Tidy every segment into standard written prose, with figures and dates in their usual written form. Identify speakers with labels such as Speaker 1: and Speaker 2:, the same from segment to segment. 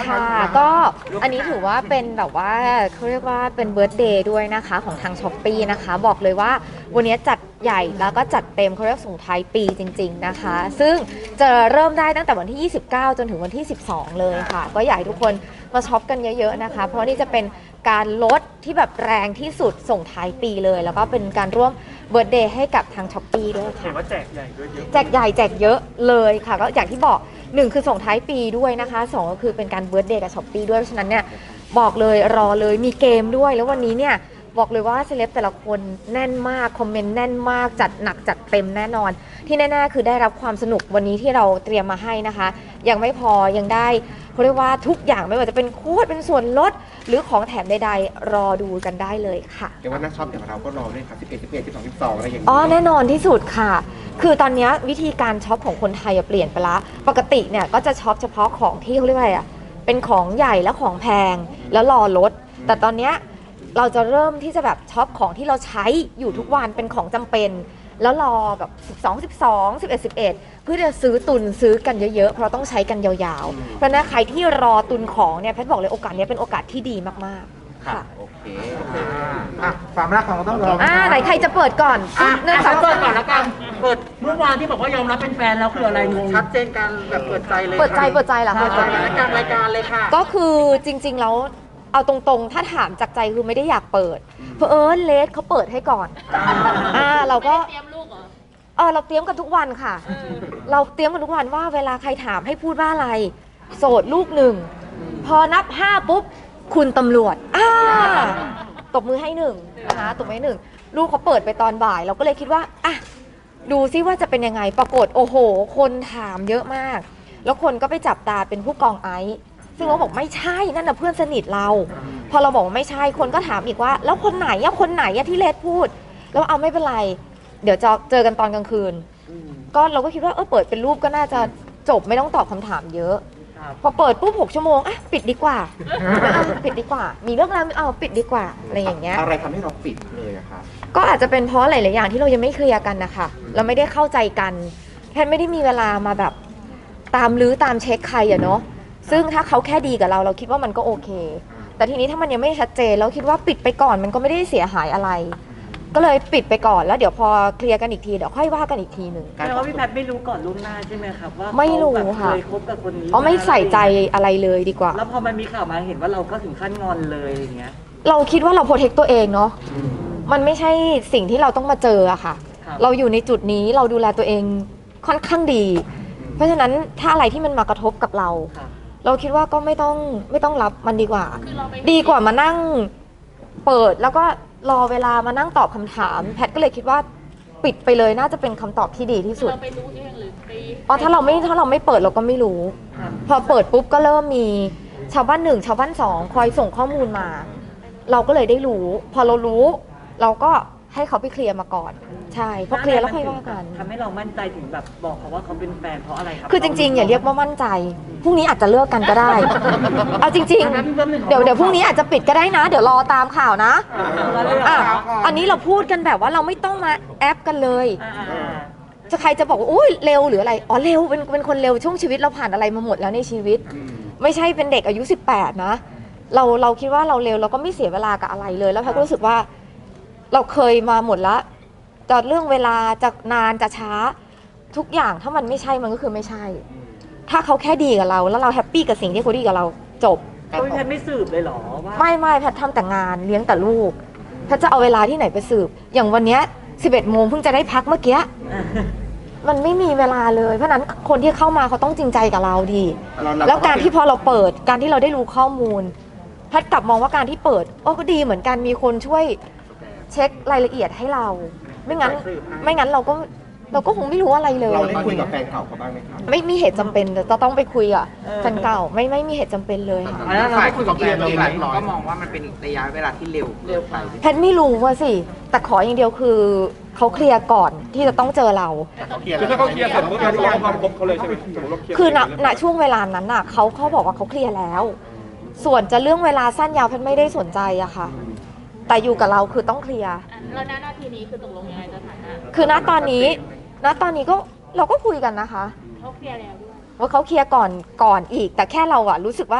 Speaker 1: ค่ะก็อันนี้ถือว่าเป็นแบบว่าเขาเรียกว่าเป็นเบิร์ธเดย์ด้วยนะคะของทางช้อปปี้นะคะบอกเลยว่าวันนี้จัดใหญ่แล้วก็จัดเต็มเขาเรียกส่งท้ายปีจริงๆนะคะซึ่งจะเริ่มได้ตั้งแต่วันที่ 29 จนถึงวันที่ 12 เลยค่ะก็อยากให้ทุกคนมาช็อปกันเยอะๆนะคะเพราะนี่จะเป็นการลดที่แบบแรงที่สุดส่งท้ายปีเลยแล้วก็เป็นการร่วมเบิร์ธเดย์ให้กับทางช้อปปี้ด้วยค่ะ
Speaker 2: เห็นว่าแจกใหญ่ด้วยเยอะ
Speaker 1: แจกใหญ่แจกเยอะเลยค่ะก็อย่างที่บอก1คือส่งท้ายปีด้วยนะคะ2ก็คือเป็นการเบิร์ธเดย์กับช้อปปี้ด้วยเพราะฉะนั้นเนี่ยบอกเลยรอเลยมีเกมด้วยแล้ววันนี้เนี่ยบอกเลยว่าเซเลบแต่ละคนแน่นมากคอมเมนต์แน่นมากจัดหนักจัดเต็มแน่นอนที่แน่ๆคือได้รับความสนุกวันนี้ที่เราเตรียมมาให้นะคะยังไม่พอยังได้เขาเรียกว่าทุกอย่างไม่ว่าจะเป็นโค้ดเป็นส่วนลดหรือของแถมใดๆรอดูกันได้เลยค่ะ
Speaker 3: เดี๋ยวว่านักช็อปอย่างเราก็รอด้วยครับ11 11 12 12อะไรอย่างนี้
Speaker 1: แน่นอนที่สุดค่ะ คือตอนนี้วิธีการช็อปของคนไทยเปลี่ยนไปละปกติเนี่ยก็จะช็อปเฉพาะของที่เขาเรียกว่าอะไรอ่ะเป็นของใหญ่และของแพงแล้วรอลดแต่ตอนนี้เราจะเริ่มที่จะแบบช็อปของที่เราใช้อยู่ทุกวันเป็นของจำเป็นแล้วรอแบบ12 12 11 11เพื่อจะซื้อตุนซื้อกันเยอะๆเพราะต้องใช้กันยาวๆเพราะนั้นใครที่รอตุนของเนี่ยแพทย์บอกเลยโอกาสนี้เป็นโอกาสที่ดีมากๆค่ะ
Speaker 3: โอเค
Speaker 2: ความรักของเราต้องรอ
Speaker 1: ไหนใครจะเปิดก่อน
Speaker 2: เนื่องจากเปิดก่อนแล้วกันเปิดเมื่อวานที่บอกว่ายอมรับเป็นแฟนแล้วคืออะไรงงชัดเจนกันแบบเปิดใจเลย
Speaker 1: เปิดใจเหรอคะ
Speaker 2: เปิดใจรายการเลยค่ะ
Speaker 1: ก็คือจริงๆแล้วเอาตรงๆถ้าถามจากใจคือไม่ได้อยากเปิดเพราะเลสเขาเปิดให้ก่อนเราก็
Speaker 4: เตรียมลูกเหรอ
Speaker 1: เราเตรียมกันทุกวันค่ะเราเตรียมกันทุกวันว่าเวลาใครถามให้พูดว่าอะไรโสดลูกหนึ่งพอนับ5ปุ๊บคุณตำรวจตบมือให้1นะคะตบมือให้1ลูกเขาเปิดไปตอนบ่ายเราก็เลยคิดว่าดูซิว่าจะเป็นยังไงปรากฏโอ้โหคนถามเยอะมากแล้วคนก็ไปจับตาเป็นผู้กองไอซ์ซึ่งเราบอกไม่ใช่นั่นน่ะเพื่อนสนิทเราพอเราบอกว่าไม่ใช่คนก็ถามอีกว่าแล้วคนไหนที่เลสพูดแล้วไม่เป็นไรเดี๋ยวจะเจอกันตอนกลางคืนก็เราก็คิดว่าเปิดเป็นรูปก็น่าจะจบไม่ต้องตอบคำถามเยอะพอเปิดปุ๊บ6 ชั่วโมงปิดดีกว่าปิดดีกว่ามีเรื่องแล้วปิดดีกว่าอะไรอย่างเงี้ย
Speaker 3: อะไรทำให้เราปิดเลยอะคะ
Speaker 1: ก็อาจจะเป็นเพราะหลายๆอย่างที่เรายังไม่เคลียร์กันนะคะเราไม่ได้เข้าใจกันแพทย์ไม่ได้มีเวลามาแบบตามลื้อตามเช็คใครเนาะซึ่งถ้าเขาแค่ดีกับเราคิดว่ามันก็โอเคแต่ทีนี้ถ้ามันยังไม่ชัดเจนเราคิดว่าปิดไปก่อนมันก็ไม่ได้เสียหายอะไรก็เลยปิดไปก่อนแล้วเดี๋ยวพอเคลียร์กันอีกทีเดี๋ยวค่อยว่ากันอีกทีหนึ่ง
Speaker 2: แปลว่าพี่แพทย์ไม่รู้ก่อนล่วงหน้าใช่ไหมครับว่า
Speaker 1: ไม่รู้ค่ะ
Speaker 2: เคยคบกับคนนี้
Speaker 1: ไม่ใส่ใจอะไรเลยดีกว่า
Speaker 2: แล้วพอมันมีข่าวมาเห็นว่าเราก็ถึงขั้นงอนเลยอย่างเงี้ย
Speaker 1: เราคิดว่าเราโปรเทคตัวเองเนาะมันไม่ใช่สิ่งที่เราต้องมาเจออะค่ะเราอยู่ในจุดนี้เราดูแลตัวเองค่อนข้างดีเพราะฉะนั้นถ้าอะไรที่มันมากระทบกับเราคิดว่าก็ไม่ต้องรับมันดีกว่าดีกว่ามานั่งเปิดแล้วก็รอเวลามานั่งตอบคำถามแพทย์ก็เลยคิดว่าปิดไปเลยน่าจะเป็นคำตอบที่ดีที่สุด
Speaker 4: เราไปรู้เองหรือไป
Speaker 1: ถ้าเราไม่เปิดเราก็ไม่รู้พอเปิดปุ๊บก็เริ่มมีชาวบ้าน1ชาวบ้าน2คอยส่งข้อมูลมาเราก็เลยได้รู้พอเรารู้เราก็ให้เขาไปเคลียร์มาก่อนใช่พอเคลียร์แล้วค่อยว่ากัน
Speaker 2: ทำให้เรามั่นใจถึงแบบบอกเขาว่าเขาเป็นแฟนเพราะอะไรครับ
Speaker 1: คือจริงๆอย่าเรียกว่ามั่นใจพรุ่งนี้อาจจะเลิกกันก็ได้เอาจริงๆเดี๋ยวพรุ่งนี้อาจจะปิดก็ได้นะเดี๋ยวรอตามข่าวนะอันนี้เราพูดกันแบบว่าเราไม่ต้องมาแอปกันเลยจะใครจะบอกว่าอุ้ยเร็วหรืออะไรเร็วเป็นคนเร็วช่วงชีวิตเราผ่านอะไรมาหมดแล้วในชีวิตไม่ใช่เป็นเด็กอายุ18นะเราคิดว่าเราเร็วเราก็ไม่เสียเวลากับอะไรเลยแล้วแพทย์ก็รู้สึกว่าเราเคยมาหมดแล้วจะเรื่องเวลาจะนานจะช้าทุกอย่างถ้ามันไม่ใช่มันก็คือไม่ใช่ถ้าเขาแค่ดีกับเราแล้วเราแฮปปี้กับสิ่งที่เขาดีกับเราจบ
Speaker 2: แพทย์ไม่สืบเลยหรอว่า
Speaker 1: ไม่แพทย์ทำแต่งานเลี้ยงแต่ลูกแพทย์จะเอาเวลาที่ไหนไปสืบอย่างวันนี้11 โมงเพิ่งจะได้พักเมื่อกี้มันไม่มีเวลาเลยเพราะนั้นคนที่เข้ามาเขาต้องจริงใจกับเราดีแล้วการที่พอเราเปิดการที่เราได้รู้ข้อมูลแพทย์กลับมองว่าการที่เปิดก็ดีเหมือนกันมีคนช่วยเช็ครายละเอียดให้เราไม่งั้นเราก็คงไม่รู้อะไรเลย
Speaker 3: เราได้คุยกับแฟนเก่าเขาบ้างไหมครับ
Speaker 1: ไม่มีเหตุจำเป็นจะต้องไปคุยกับแฟนเก่าไม่มีเหตุจำเป็นเลยค่ะ
Speaker 3: แล้วเราคุยกับแฟนเรา
Speaker 5: ก็มองว่ามันเป็นระยะเวลาที่เร็วไป
Speaker 1: แพทย์ไม่รู้ว่าสิแต่ขออย่างเดียวคือเขาเคลียร์ก่อนที่จะต้องเจอเรา
Speaker 3: คือถ้าเขาเคลียร์เสร็จปุ๊บเราต้องความคบเขาเลยใช่ไหม
Speaker 1: คือณช่วงเวลานั้นน่ะเขาบอกว่าเขาเคลียร์แล้วส่วนจะเรื่องเวลาสั้นยาวแพทย์ไม่ได้สนใจอะค่ะแต่อยู่กับเราคือต้องเคลียร์
Speaker 4: แล้วณนาทีนี้คือตกลงยังไงสถานะ
Speaker 1: คือณตอนนี้ก็เราก็คุยกันนะคะ
Speaker 4: เขาเคลียร์แล้วด้วย
Speaker 1: ว่าเขาเคลียร์ก่อนอีกแต่แค่เราอะรู้สึกว่า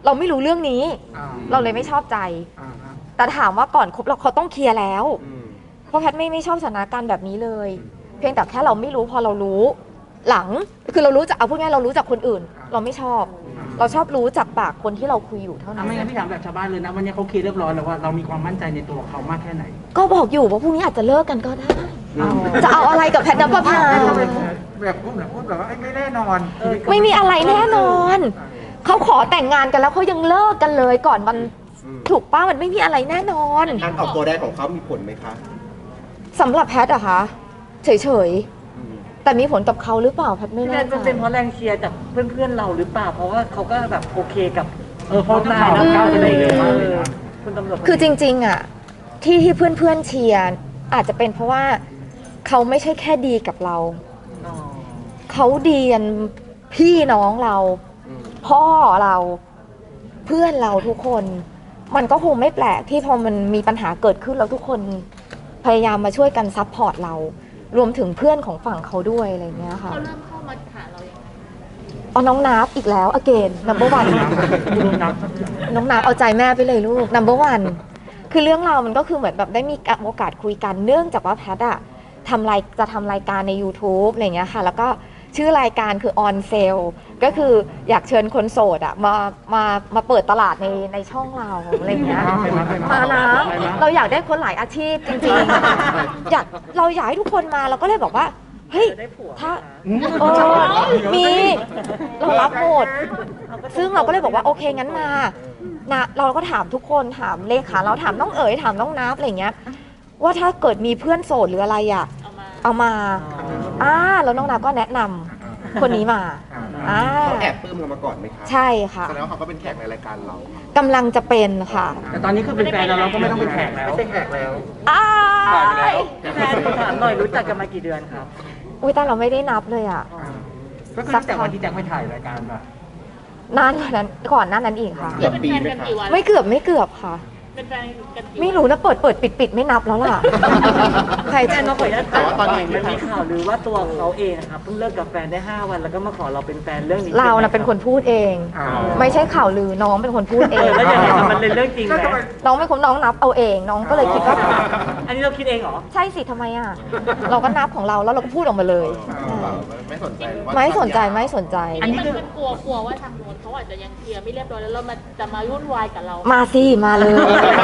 Speaker 1: เราไม่รู้เรื่องนี้ เราเลยไม่ชอบใจ แต่ถามว่าก่อนคบเราเขาต้องเคลียร์แล้ว เพราะแพทย์ไม่ชอบสถานการณ์แบบนี้เลย เพียงแต่แค่เราไม่รู้พอเรารู้ หลังคือเรารู้จากเอาพูดง่ายเรารู้จากคนอื่น เราไม่ชอบ เราชอบรู้จากปากคนที่เราคุยอยู่เท่านั้น
Speaker 2: ไม่งั้นพี่ถามแบบชาวบ้านเลยนะวันนี้เขาเคลียร์เรียบร้อยแล้วว่าเรามีความมั่นใจในตัวเขามากแค่ไหน
Speaker 1: ก็บอกอยู่ว่าพรุ่งนี้อาจจะเลิกกันก็ได้ จะเอาอะไรกับแพทย์นภพา
Speaker 5: แบบพูดแบบว่าไม่แน่นอน
Speaker 1: ไม่มีอะไรแน่นอน เขาขอแต่งงานกันแล้วเขายังเลิกกันเลยก่อนมันถูกป้ามันไม่มีอะไรแน่นอน
Speaker 3: การออกตัวได้ของเขามีผลไหมคะ
Speaker 1: สำหรับแพทย์อะคะเฉยๆแต่มีผลกับเขาหรือเปล่าแพทย์ไม่
Speaker 2: พี่แพ
Speaker 1: แน่
Speaker 2: ทย์
Speaker 1: ใจ
Speaker 2: เป็นเพราะแรงเชียร์จากเพื่อนๆเราหรือเปล่าเพราะว่าเขาก็แบบโอเคกับเพราะนายนะก้าวไปเลยมากเลยนะคุณตำรวจ
Speaker 1: คือจริงๆอะที่เพื่อนๆเชียร์อาจจะเป็นเพราะว่าเขาไม่ใช่แค่ดีกับเรา เขาดีกันพี่น้องเรา พ่อเราเพื่อนเราทุกคน มันก็คงไม่แปลกที่พอมันมีปัญหาเกิดขึ้นแล้วทุกคนพยายามมาช่วยกันซัพพอร์ตเรา รวมถึงเพื่อนของฝั่งเขาด้วยอะไรเงี้ยค่ะ
Speaker 4: เขาเริ่มเข้ามาหาเรายังไง
Speaker 1: เอาน้องนับอีกแล้ว again number one น้องนับเอาใจแม่ไปเลยลูก number one คือเรื่องเราวมันก็คือเหมือนแบบได้มีโอกาสคุยกันเนื่องจากว่าแพทอะจะทำรายการใน YouTube อะไรเงี้ยค่ะแล้วก็ชื่อรายการคือ on sale ก็คืออยากเชิญคนโสดอะมาเปิดตลาดในช่องเราอะไรเงี้ยมานะเราอยากได้คนหลายอาชีพจริงๆเราอยากให้ทุกคนมาเราก็เลยบอกว่าเฮ้ยถ้ามีเรารับหมดซึ่งเราก็เลยบอกว่าโอเคงั้นมานะเราก็ถามทุกคนถามเลขาเราถามน้องเอ๋ยถามน้องนับอะไรเงี้ยว่าถ้าเกิดมีเพื่อนโสดหรืออะไรอะเอามาแล้วน้องนับก็แนะนำคนนี้มา
Speaker 3: เขาแอบปลื้มเรามาก่อนไหมคะ
Speaker 1: ใช่ค่ะ
Speaker 3: แสดงว่าเขาก็เป็นแขกในรายการเรา
Speaker 1: กำลังจะเป็นค่ะ
Speaker 2: แต่ตอนนี้คือเป็นแฟนเราก็ไม่ต้องเป็นแขกแล้วไม่ใช่แขกแล้ว พี่แพทย์ถามหน่อยรู้จักกันมากี่เดือนครับ
Speaker 1: อุ้ยแต่เราไม่ได้นับเลยอ่ะ
Speaker 2: ก็คือตั้งแต่วันที่แจ็คไปถ่ายรายการป่ะ
Speaker 1: นานกว่านั้นก่อนหน้านั้นอีกค่ะ
Speaker 3: เกือบปี
Speaker 4: เป็น
Speaker 3: ไหม
Speaker 4: แฟนกัน
Speaker 3: คะ
Speaker 4: กี่วัน
Speaker 1: ไม่เกือบค่ะ
Speaker 4: เป็นแฟนกันกี่วัน
Speaker 1: ไม่รู้นะเปิดปิดไม่นับแล้วล่ะ ใคร
Speaker 2: แฟ
Speaker 1: จะ
Speaker 2: นน้องขออนุญาต
Speaker 3: แต่ว่าตอนนี้
Speaker 2: มันมีข่าวลือว่าตัวเขาเองนะครับเพิ่งเลิกกับแฟนได้5 วันแล้วก็มาขอเราเป็นแฟนเรื่องนี้
Speaker 1: เรานะเป็นคนพูดเอง ไม่ใช่ข่าวลือน้องเป็นคนพูดเอง
Speaker 2: แล้วยังไงมันเป็นเรื่องจริงไหม
Speaker 1: น้องเป็นคนน้องนับเอาเองน้องก็เลยคิดว่า
Speaker 2: อันนี้เราคิดเองเหรอ
Speaker 1: ใช่สิทำไมอ่ะ เราก็นับของเราแล้วเราก็พูดออกมาเลย
Speaker 3: ไม่สนใจหรือว่า
Speaker 1: ไม่สนใจไม่สนใจ
Speaker 2: อันนี้
Speaker 4: มันกลัวว่าทางโน้นเขาอาจจะยังเคลียร์ไม่เรียบร้อยแล้วเราจะมาวุ่นวายกับเรา
Speaker 1: มาสิมาเลย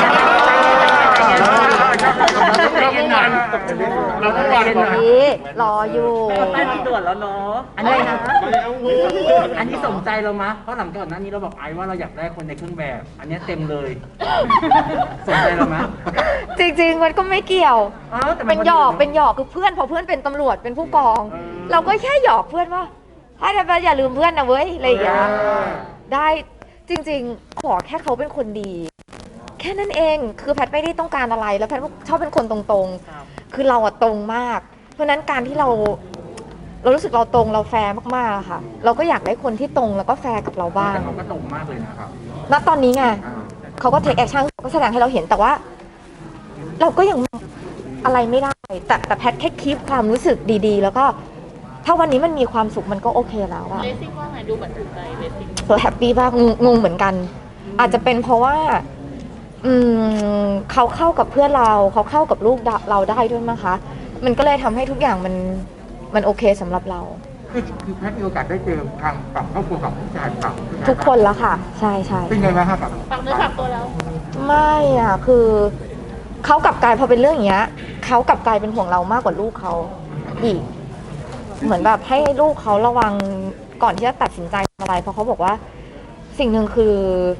Speaker 3: เราต้องวางก่อน
Speaker 1: นี่รออยู่
Speaker 2: แป้งตรวจแล้วเนาะ
Speaker 1: อะไรนะ
Speaker 2: อันนี้สนใจเรามะเพราะหลังก่อนหน้านี้เราบอกไอ้ว่าเราอยากได้คนในเครื่องแบบ อันนี้เต็มเลยสนใจเรามะ
Speaker 1: จริงๆมันก็ไม่เกี่ยว
Speaker 2: อ้าวแต่มั
Speaker 1: เป็นหยอกคือเพื่อนพอเพื่อนเป็นตำรวจเป็นผู้กอง เราก็แค่หยอกเพื่อนว่าให้แต่อย่าลืมเพื่อนนะเว้ยอะไรอย่างเงี้ยได้จริงๆขอแค่เขาเป็นคนดี แค่นั้นเองคือแพทย์ไม่ได้ต้องการอะไรแล้วแพทย์ชอบเป็นคนตรงๆ คือเราอะตรงมาก เพราะฉะนั้นการที่เรารู้สึกเราตรงเราแฟร์มากๆอะค่ะ เราก็อยากได้คนที่ตรงแล้วก็แฟร์กับเราบ้าง
Speaker 2: แต่เขาก็ตรงมากเลยนะครับ
Speaker 1: ณตอนนี้ไงเขาก็เทคแอคชั่นก็แสดงให้เราเห็นแต่ว่า เราก็ยังอะไรไม่ได้ แต่แพทย์แค่คีปความรู้สึกดีๆ แล้วก็ถ้าวันนี้มันมีความสุขมันก็โอเคแล้วอะ
Speaker 4: เลสซิ่งว่าไงดูเหมือนถูกใจเลสซิ่ง
Speaker 1: แฮปปี้มากงงเหมือนกัน อาจจะเป็นเพราะว่าเขาเข้ากับเพื่อนเราเขาเข้ากับลูกเราได้ด้วยมั้งคะมันก็เลยทำให้ทุกอย่างมันโอเคสำหรับเรา
Speaker 5: คือแพทย์มีโอกาสได้เจอทางฝั่งครอบครัวของผู้ชายฝั่ง
Speaker 1: ทุกคนแล้วค่ะ ใช่ใช่
Speaker 5: เป็นไงบ้างครับ
Speaker 4: ฝากเนื้อฝากตัวแล้ว
Speaker 1: ไม่อ่ะคือเขากลับกลายพอเป็นเรื่องอย่างเงี้ยเขากลับกลายเป็นห่วงเรามากกว่าลูกเขาอีกเหมือนแบบให้ลูกเขาระวังก่อนที่จะตัดสินใจทำอะไรเพราะเขาบอกว่าสิ่งหนึ่งคือ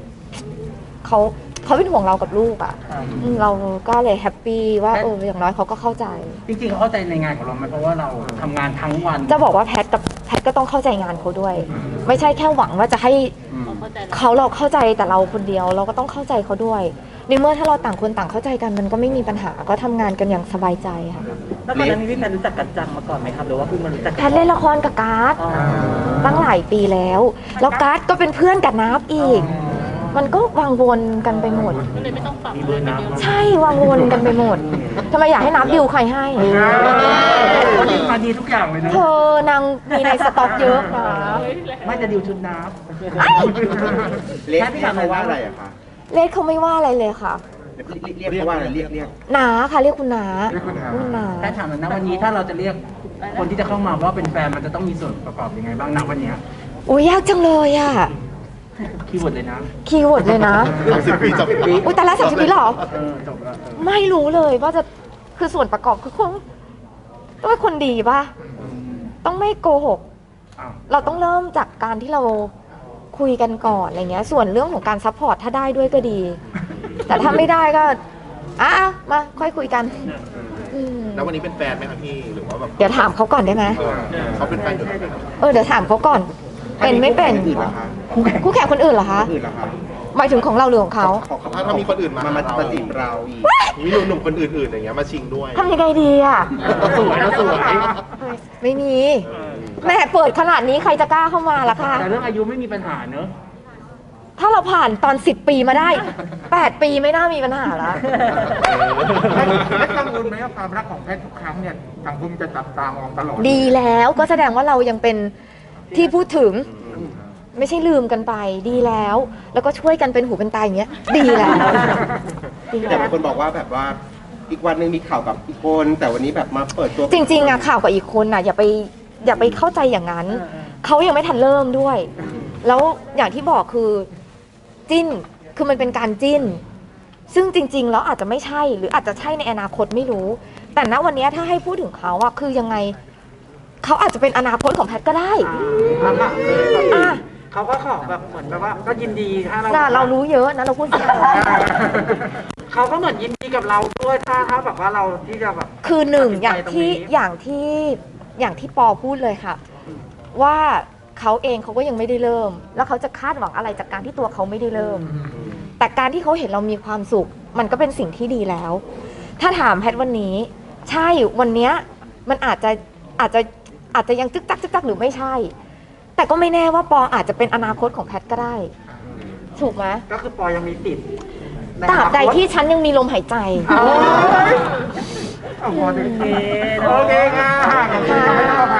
Speaker 1: เขาเป็นห่วงเรากับลูกอ่ะเราก็เลยแฮปปี้ว่าอย่างน้อยเขาก็เข้าใจ
Speaker 2: จริงๆเขาเข้าใจในงานของเราไหมเพราะว่าเราทำงานทั้งวัน
Speaker 1: จะบอกว่าแพทก็ต้องเข้าใจงานเขาด้วย ไม่ใช่แค่หวังว่าจะให้
Speaker 4: เข้าใจแล้ว
Speaker 1: เราเข้าใจแต่เราคนเดียวเราก็ต้องเข้าใจเขาด้วยในเมื่อถ้าเราต่างคนต่างเข้าใจกันมันก็ไม่มีปัญหาก็ทำงานกันอย่างสบายใจค่ะ
Speaker 2: แล้วก่อนหน้านี้พี่แพนรู้จักกันจังมาก่อนไหมครับหรือว่าเพิ่งมารู้จัก
Speaker 1: แพทเล่นละครกับการ์ด
Speaker 2: อ๋อ
Speaker 1: ตั้งหลายปีแล้วการ์ดก็เป็นเพื่อนกับนับอีกมันก็วังวนกันไปหมด
Speaker 4: ก็เลยไม่ต้องปรับ
Speaker 2: มีเบอร์นับ
Speaker 1: ใช่วังวนกันไปหมดทำไมอยากให้นับดิวใครให้
Speaker 2: เขาดิวมาดีทุกอย่างเลยนะ
Speaker 1: เธอนางมีในสต็อกเยอะนะ
Speaker 2: ไม่จะดิวชุดน้ำ
Speaker 3: เรียกเขาว่าอะไรอะคะ
Speaker 1: เลขเขาไม่ว่าอะไรเลยค่ะ
Speaker 3: เรียกเขาว่าอะไรเรียก
Speaker 1: นาค่ะเรียกคุณนา
Speaker 5: เรียกคุณนา
Speaker 1: คุณนา
Speaker 2: ถ้าถามหน่อยนะวันนี้ถ้าเราจะเรียกคนที่จะเข้ามาว่าเป็นแฟนมันจะต้องมีส่วนประกอบยังไงบ้างณวันเนี้ย
Speaker 1: อุ้ยยากจังเลยอ่ะ
Speaker 2: คีย์เวิร์ดเลยนะ
Speaker 1: คีย์เวิร์ดเลยนะ
Speaker 3: 30 ปีจบ
Speaker 1: อุ้ยแต่ละ30 ปีเหรอ
Speaker 2: จบแล้ว
Speaker 1: ไม่รู้เลยว่าจะคือส่วนประกอบคือคงต้องเป็นคนดีป่ะ ต้องไม่โกหก
Speaker 2: อ้าว
Speaker 1: เราต้องเริ่มจากการที่เราคุยกันก่อนอะไรเงี้ย ส่วนเรื่องของการซัพพอร์ตถ้าได้ด้วยก็ดี แต่ถ้าไม่ได้ก็มาค่อยคุยกันอืม
Speaker 3: แล้ววันนี้เป็นแฟนไหมคะพี่หรือว่าแบบ
Speaker 1: เดี๋ยวถามเขาก่อนได้ไหม
Speaker 3: เขาเป็นแฟนอยู่แล้ว
Speaker 1: เดี๋ยวถามเขาก่อน เป็นไม่เป็น
Speaker 3: อื่นเหรอคะ
Speaker 1: คู่แข่งคนอื่นเหรอคะ
Speaker 3: อื่นเหรอคะ
Speaker 1: หมายถึงของเราหรือของเขา
Speaker 3: ถ้ามีคนอื่นมาจีบเราอีกมีหนุ่มๆคนอื่นๆอย่างเงี้ยมาชิงด้วย
Speaker 1: ทำยังไงดีอ่ะ
Speaker 2: เราสวยเราสวย
Speaker 1: ไม่มีแม่เปิดขนาดนี้ใครจะกล้าเข้ามาล่ะคะ
Speaker 2: แต่เรื่องอายุไม่มีปัญหาเนอะ
Speaker 1: ถ้าเราผ่านตอน10 ปีมาได้ 8 ปีไม่น่ามีปัญหาแล้ว
Speaker 5: และกังวลไหมว่าความรักของแพทย์ทุกครั้งเนี่ยสังคมจะจับตามองตลอด
Speaker 1: ดีแล้วก็แสดงว่าเรายังเป็นที่พูดถึง ไม่ใช่ลืมกันไปดีแล้ว แล้วก็ช่วยกันเป็นหูเป็นตาอย่างเงี้ย ดีแล้วดี
Speaker 3: แต่
Speaker 1: แล้ว
Speaker 3: บางคนบอกว่าแบบว่าอีกวันหนึ่งมีข่าวกับอีกคนแต่วันนี้แบบมาเปิดตัว
Speaker 1: จริงๆอะข่าวกับอีกคนน่ะอย่าไปเข้าใจอย่างนั้น เขายังไม่ทันเริ่มด้วย แล้วอย่างที่บอกคือจิ้นคือมันเป็นการจิ้น ซึ่งจริงๆแล้วอาจจะไม่ใช่หรืออาจจะใช่ในอนาคตไม่รู้ แต่ณวันนี้ถ้าให้พูดถึงเขาอะคือยังไงเขาอาจจะเป็นอนาคตของแพทย์ก็ได้อ่ะ
Speaker 2: เขาก็ขอแบบเหมือนแบบว่าก็ยินดีถ้า
Speaker 1: น่ะเรารู้เยอะนะเราพูดเสียง
Speaker 2: เขาก็เหมือนยินดีกับเราด้วยถ้าแบบว่าเราที่จะแบบ
Speaker 1: คือหนึ่ง
Speaker 2: ตัดสินใจ
Speaker 1: อย่างที่ปอพูดเลยค่ะ ว่าเขาเองเขาก็ยังไม่ได้เริ่ม แล้วเขาจะคาดหวังอะไรจากการที่ตัวเขาไม่ได้เริ่ม แต่การที่เขาเห็นเรามีความสุข มันก็เป็นสิ่งที่ดีแล้ว ถ้าถามแพทย์วันนี้ ใช่วันเนี้ยมันอาจจะยังจึกจักหรือไม่ใช่ แต่ก็ไม่แน่ว่าปออาจจะเป็นอนาคตของแพทย์ก็ได้ ถูกไหม
Speaker 2: ก็คือปอยังมีติด
Speaker 1: ตราบใดที่ฉันยังมีลมหายใจ
Speaker 5: โอเคค่ะขอบคุณค่ะไม่ต้องมา